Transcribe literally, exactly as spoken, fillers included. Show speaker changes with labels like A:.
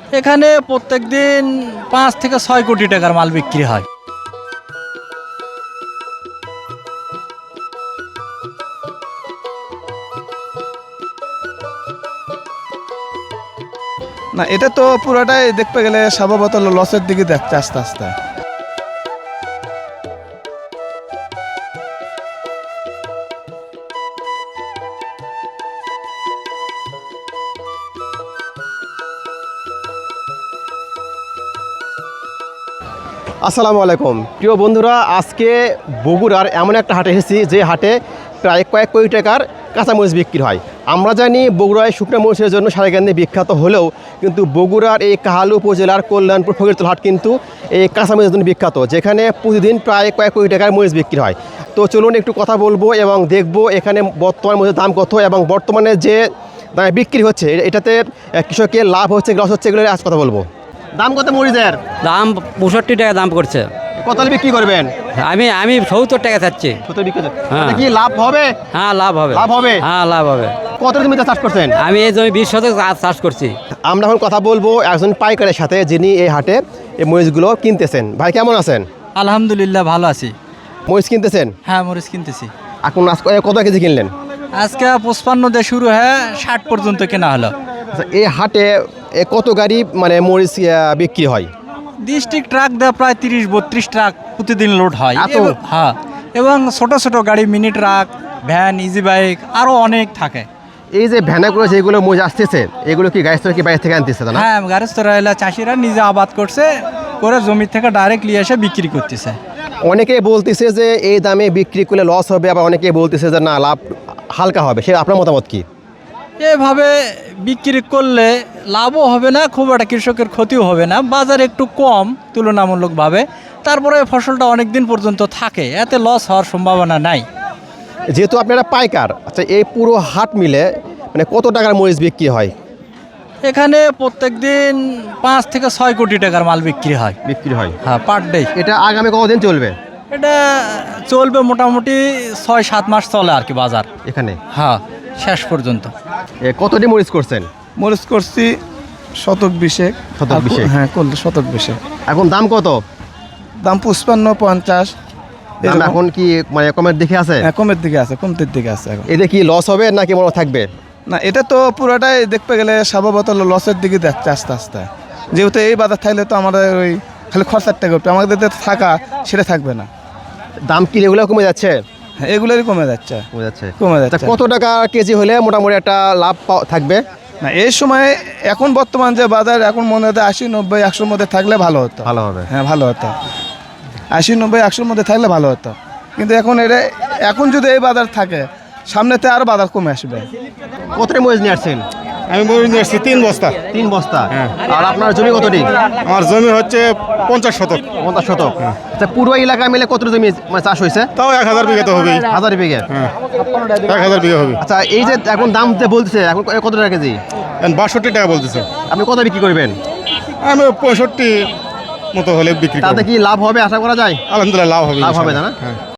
A: এখানে প্রত্যেক দিন পাঁচ থেকে ছয় কোটি টাকার মাল বিক্রি হয়।
B: না, এটা তো পুরোটাই দেখতে গেলে স্বভাবত লসের দিকে যাচ্ছে আস্তে আস্তে।
C: আসসালামু আলাইকুম প্রিয় বন্ধুরা, আজকে বগুড়ার এমন একটা হাটে এসেছি যে হাটে প্রায় কয়েক কোটি টাকার কাঁচামরিচ বিক্রি হয়। আমরা জানি বগুড়ায় শুকনো মরিচের জন্য সারেগান্ধী বিখ্যাত হলেও কিন্তু বগুড়ার এই কাহালু উপজেলার কল্যাণপুর ফকিরতল হাট কিন্তু এই কাঁচামরিচের জন্য বিখ্যাত, যেখানে প্রতিদিন প্রায় কয়েক কোটি টাকার মরিচ বিক্রি হয়। তো চলুন একটু কথা বলবো এবং দেখব এখানে বর্তমান মরিচের দাম কত এবং বর্তমানে যে দামে বিক্রি হচ্ছে এটাতে কৃষকের লাভ হচ্ছে লস হচ্ছে এগুলো আজ কথা বলবো। দাম কত মরিচের?
D: দাম পঁয়ষট্টি টাকা দাম করছে।
C: কত বিক্রি করবেন?
D: আমি আমি সত্তর টাকা চাচ্ছি।
C: সত্তর বিক্রি
D: হ্যাঁ।
C: কি লাভ হবে?
D: হ্যাঁ লাভ হবে।
C: লাভ হবে?
D: হ্যাঁ লাভ হবে।
C: কত জমিতে চাষ করছেন?
D: আমি এই জমি বিশ শতক চাষ করছি।
C: আমরা এখন কথা বলবো একজন পাইকারের সাথে যিনি এই হাটে এই মরিচগুলো কিনতেছেন। ভাই কেমন আছেন?
A: আলহামদুলিল্লাহ ভালো আছি।
C: মরিচ কিনতেছেন?
A: হ্যাঁ মরিচ কিনতেছি।
C: এখন আজকে কত কেজি কিনলেন?
A: আজকে পঁচপান্ন দিয়ে শুরু হয়ে ষাট পর্যন্ত কেনা হলো।
C: আচ্ছা, এই হাটে এ কত গাড়ি মানে মরিচ আহ, বিক্রি হয়?
A: ডিস্ট্রিক্ট ট্রাক দেওয়া প্রায় তিরিশ বত্রিশ ট্রাক প্রতিদিন লোড হয়।
C: এত?
A: এবং- হ্যাঁ, এবং ছোট ছোট গাড়ি, mini truck, van, easy bike আরও অনেক থাকে।
C: এই যে ভ্যানাগুলো যেগুলো মরিচ আসতেছে এগুলো কি গাড়ি থেকে কি বাইরে থেকে আনতেছে না?
A: হ্যাঁ, গারেস্তরা এলা চাষিরা নিজে আবাদ করছে, করে জমি থেকে ডাইরেক্ট নিয়ে এসে বিক্রি করতেছে।
C: অনেকেই বলতেছে যে এই দামে বিক্রি করলে লস হবে, আবার অনেকেই বলতেছে যে না লাভ হালকা হবে। সে আপনার মতামত কি?
A: এভাবে বিক্রি করলে লাভও হবে না, খুব একটা কৃষকের ক্ষতিও হবে না, বাজার একটু কম তুলনামূলকভাবে, তারপরে ফসলটা অনেক দিন পর্যন্ত থাকে, এতে লস হওয়ার সম্ভাবনা নাই।
C: যেহেতু আপনারা পাইকার, আচ্ছা এই পুরো হাট মিলে মানে কত টাকার মরিচ বিক্রি হয়?
A: এখানে প্রত্যেক দিন পাঁচ থেকে ছয় কোটি টাকার মাল বিক্রি হয়।
C: বিক্রি হয়
A: হ্যাঁ, পার ডে।
C: এটা আগামী কতদিন চলবে?
A: এটা চলবে মোটামুটি ছয় সাত মাস চলে আর কি বাজার।
C: এখানে
A: হ্যাঁ, শেষ পর্যন্ত।
C: এ, কতটি মরিচ করছেন?
B: মরিচ করছি শতক বিশেক।
C: শতক বিশেক?
B: হ্যাঁ করলে শতক বিশেক।
C: এখন দাম কত?
B: দাম পঁচপান্ন পঞ্চাশ
C: দাম
B: এরকম।
C: এখন কি মানে কমের দিকে আছে?
B: হ্যাঁ, কমের দিকে আছে, কমতির দিকে আছে এখন।
C: এতে কি লস হবে নাকি মনে থাকবে?
B: না, এটা তো পুরোটাই দেখতে গেলে স্বভাবত লসের দিকে যাচ্ছে আস্তে আস্তে। যেহেতু এই বাজার থাকলে তো আমাদের ওই খালি খরচারটা করবে, আমাদের যে থাকা সেটা থাকবে না।
C: দাম কি রেগুলার কমে যাচ্ছে?
B: হ্যাঁ, এগুলোরই কমে যাচ্ছে।
C: কমে যাচ্ছে।
B: কমে
C: তা
B: যাচ্ছে।
C: কত টাকা কেজি হলে মোটামুটি একটা লাভ পাও- থাকবে?
B: না, এই সময় এখন বর্তমান যে বাজার এখন মনে হতে আশি নব্বই একশোর মধ্যে থাকলে ভালো হতো।
C: ভালো হবে।
B: হ্যাঁ ভালো হতো, আশি নব্বই একশোর মধ্যে থাকলে ভালো হতো। কিন্তু এখন এটা এখন যদি এই বাজার থাকে সামনেতে আরও বাজার কমে আসবে।
C: কতটি মরিচ নিয়ে আসছেন?
E: আমি মরিচ নিয়ে আসছি তিন বস্তা।
C: তিন বস্তা। আর আপনার জমি কতটি?
E: আমার জমি হচ্ছে পঞ্চাশ শতক।
C: পঞ্চাশ শতক। আচ্ছা পুরো এলাকা মিলে কত জমি মানে চাষ হয়েছে?
E: তাও এক হাজার বিঘা তো হবেই।
C: হাজার বিঘে?
E: এক হাজার বিঘা হবে।
C: আচ্ছা এই যে এখন দাম যে বলতেছে এখন কত টাকা কেজি?
E: এখন বাষট্টি টাকা বলতেছে।
C: আপনি কত বিক্রি করবেন?
E: আমি পঁয়ষট্টি মতো হলে বিক্রি করব।
C: তাতে কি লাভ হবে আশা করা যায়?
E: আলহামদুলিল্লাহ লাভ হবে।
C: লাভ হবে না?
E: হ্যাঁ।